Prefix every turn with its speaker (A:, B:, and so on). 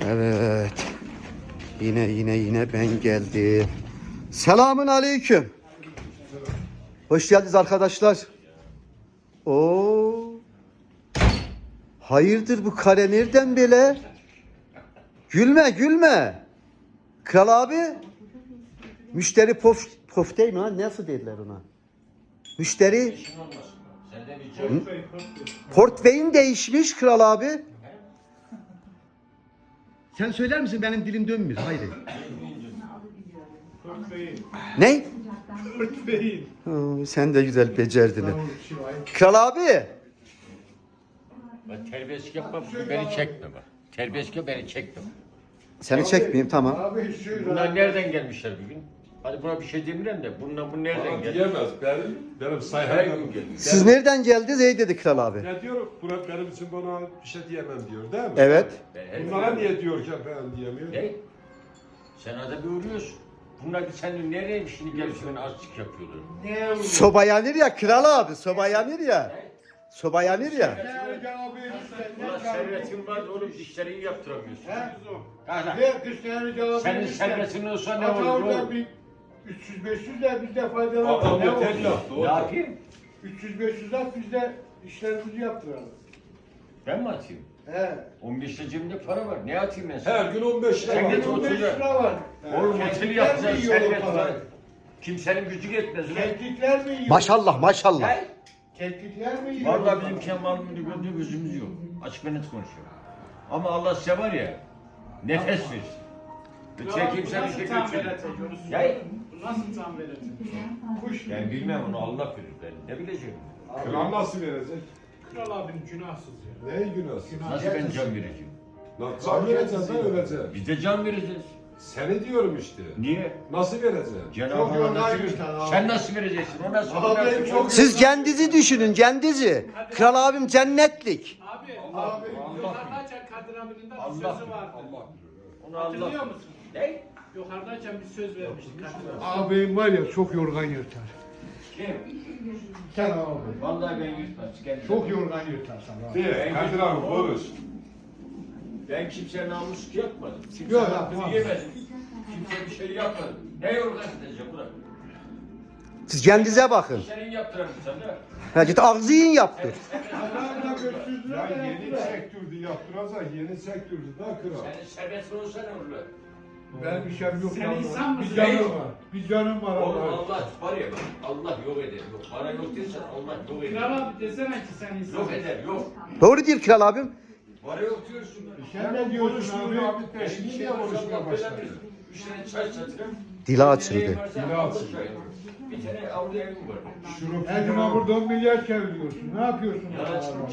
A: Evet. Yine ben geldim. Selamun aleyküm. Hoş geldiniz arkadaşlar. Oo. Hayırdır bu kare nereden böyle? Gülme. Kral abi. Müşteri pof değil mi lan? Nasıl dediler ona? Müşteri portföyün değişmiş kral abi. Sen söyler misin? Benim dilim dönmüyor. Haydi. Ne? Sen de güzel becerdin. Kral abi.
B: Ben terbiyesizlik yapmam, beni çekme bak. Terbiyesizlik beni çekme.
A: Seni çekmeyeyim, tamam.
B: Bunlar nereden gelmişler bugün? Hadi buna bir şey demiyorum da bu nereden geldi?
C: Diyemez. Benim
B: Her
C: sayfam.
B: gün geldi.
A: Siz nereden geldiniz? Ey dedi kral abi.
C: Ne diyor? Buna benim için bana bir şey diyemem diyor, değil mi?
A: Evet.
C: Bunlara niye diyor ki ben diyemiyor?
B: Ne? Sen arada bir uğruyorsun. Bunlar bir senin nereye şimdi gelip beni azıcık yapıyorlar.
A: Soba yanır ya kral abi. Soba yanır ya. Soba yanır ya.
B: Ulan servetin var da oğlum dişleri iyi yaptıramıyorsun. Senin servetin olsa ne olur oğlum?
D: 300-500 de biz de faydalanalım.
C: Adam
D: Ne
C: yeter
D: olacak?
C: yaptı.
B: Ne yapayım?
D: 300-500 at biz de işlerimizi yaptıralım.
B: Ben mi atayım?
D: He.
B: 15'te cebimde para var. Ne atayım ben sana?
C: Her gün 15 lira.
B: Sen git
D: 15
B: otur ya.
D: lira var.
B: Oğlum
D: Keklikler
B: otel
D: mi
B: yapacaksın,
D: yiyor o
B: servet var.
D: parayı?
B: Kimsenin gücü yetmez ulan.
D: Keklikler mi yiyor?
A: Maşallah.
B: Gel.
D: Keklikler mi yiyor?
B: Vallahi bizim kemalımda gördüğü gözümüz yok. Açık ve net konuşuyor. Ama Allah size var ya, nefes versin. Çekeyim sen bir şey götürün. Gel.
E: Nasıl tam verecek?
D: Kuş
B: Ben bilmem onu Allah bilir ben. Ne bileceğim?
C: Kral nasıl verecek?
E: Kral abinin günahsız ya.
C: Ne günahsın?
B: Nasıl ben can vereceğim?
C: Lan can vereceksin da öleceksin.
B: Biz de can vereceğiz.
C: Seni diyorum işte.
B: Niye?
C: Nasıl vereceksin?
B: Cenab-ı
D: Çok
B: Allah
D: yorgan
B: nasıl
D: yürüten
B: verecek?
D: abi.
B: Sen nasıl vereceksin? O nasıl?
D: Abi çok-
A: Siz kendinizi düşünün, kendinizi. Kral abim cennetlik.
E: Abi,
D: Abi,
E: yukarıdayken Kadir abinin de bir
B: Allah
E: sözü vardı.
B: Onu
E: Hatırlıyor
B: Allah.
E: musun?
B: Ne?
E: Yukarıdayken bir söz vermişti Kadir abi.
D: Ağabeyim var ya çok yorgan yırtar.
B: Kim?
D: Sen abi.
B: Vallahi ben yutmaz.
D: Çok yorgan yırtarsan abi.
C: Diye, Kadir abi konuş.
B: Ben kimseye namusluk yapmadım. Kimse
D: Yok,
B: hakkını
D: yapmam.
B: yemedim. Kimseye bir şey yapmadım. Ne yorgan edeceğim bırak.
A: Siz kendinize bakın.
B: Senin yaptıramıyorsan da.
A: Ha, git ağzı yiyin yaptı.
D: Adamla 500 lira
C: Ya
D: da
C: yeni
D: yaptılar.
C: sektürdü yaptıracak, yeni sektürdü da kral.
B: Senin servetin olsa ne olur lan?
D: Ben bir şeyim yok.
E: Sen
D: lan.
E: insan mısın?
D: Bir canım var. Bir canım var.
B: Oğlum
D: Allah.
B: Allah var ya bak. Allah yok eder. Yok. Bana yok dersen Allah yok eder.
E: Kral abi desene ki sen insan
B: Yok
E: mısın?
B: eder. Yok.
A: Doğru değil kral abim.
B: Bana yok diyorsun.
D: Sen ne diyorsun abi?
C: Şimdi niye konuşmaya başladın?
B: 3 tane çay satırım.
A: Dili açıldı.
C: Dili açıldı.
B: Bir tane avlu evim var.
D: Her gün burada 10 milyar çeviriyorsun. Ne yapıyorsun?
B: Ya,
D: abi?